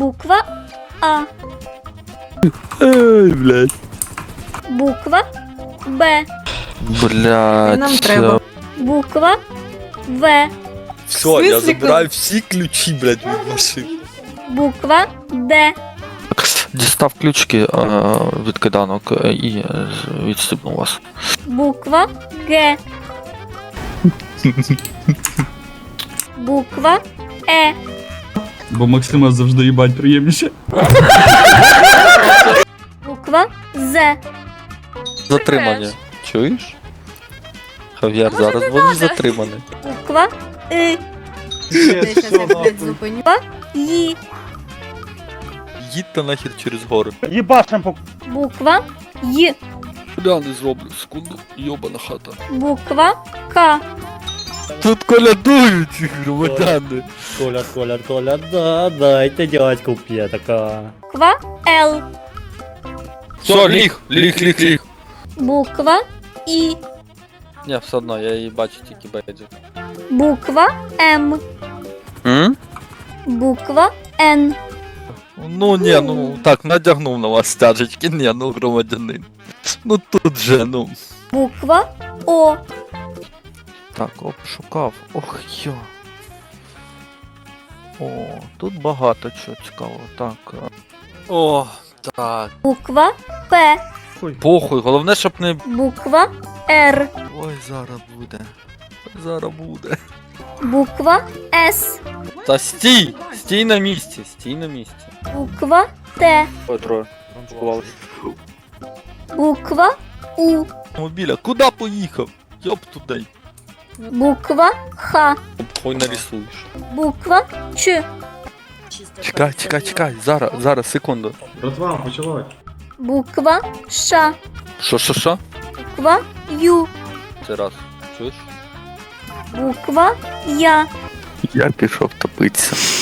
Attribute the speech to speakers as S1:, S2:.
S1: Буква А.
S2: Ай, блядь.
S1: Буква Б.
S2: Блядь.
S3: Нам треба.
S1: Буква В.
S4: Все,
S3: В
S4: я
S3: смысле,
S4: забираю всі ключі, блядь, від машини.
S1: Буква Д.
S2: Дістав ключики від киданок і відстібнув вас.
S1: Буква Г. Буква Е.
S5: Бо Максима завжди їбать приємніше.
S1: Буква З.
S2: Затримання. Чуєш? Хав'яр, зараз вони затримані.
S1: Буква И.
S3: Я щас я, блядь, зупиню.
S1: Ї.
S2: Їдьте нахер через гори.
S6: Ебашим по...
S1: Буква Й.
S2: Я не зроблю, секунду, йобана хата.
S1: Буква К.
S2: Тут колядують громадяни.
S6: Коля, да, дайте дядьку п'є така.
S1: Буква Л.
S2: Все, ліг.
S1: Буква І.
S2: Ні, все одно, я її бачу тільки бейджик.
S1: Буква М. Буква Н.
S2: Ну ні, ну так, надягнув на вас стяжечки, ні, ну громадянин. Ну тут же, ну.
S1: Буква О.
S2: Так, обшукав. Ох йо. О, тут багато чого цікавого. Так. О, так.
S1: Буква П.
S2: Похуй, головне, щоб не.
S1: Буква Р.
S2: Ой, зараз буде. Зараз буде.
S1: Буква С.
S2: Та стій! Стій на місці, стій на місці.
S1: Буква Т.
S2: Ой, троє. Сховалися.
S1: Буква У.
S2: Мобіля, куди поїхав? Йоп туди.
S1: Буква Х.
S2: Хуй нарисуєш.
S1: Буква Ч.
S2: Чекай, зараз, секунду.
S5: Братва, почалось.
S1: Буква Ш.
S2: Що?
S1: Буква Ю.
S2: Це раз. Чуєш?
S1: Буква Я.
S2: Я пішов топитися.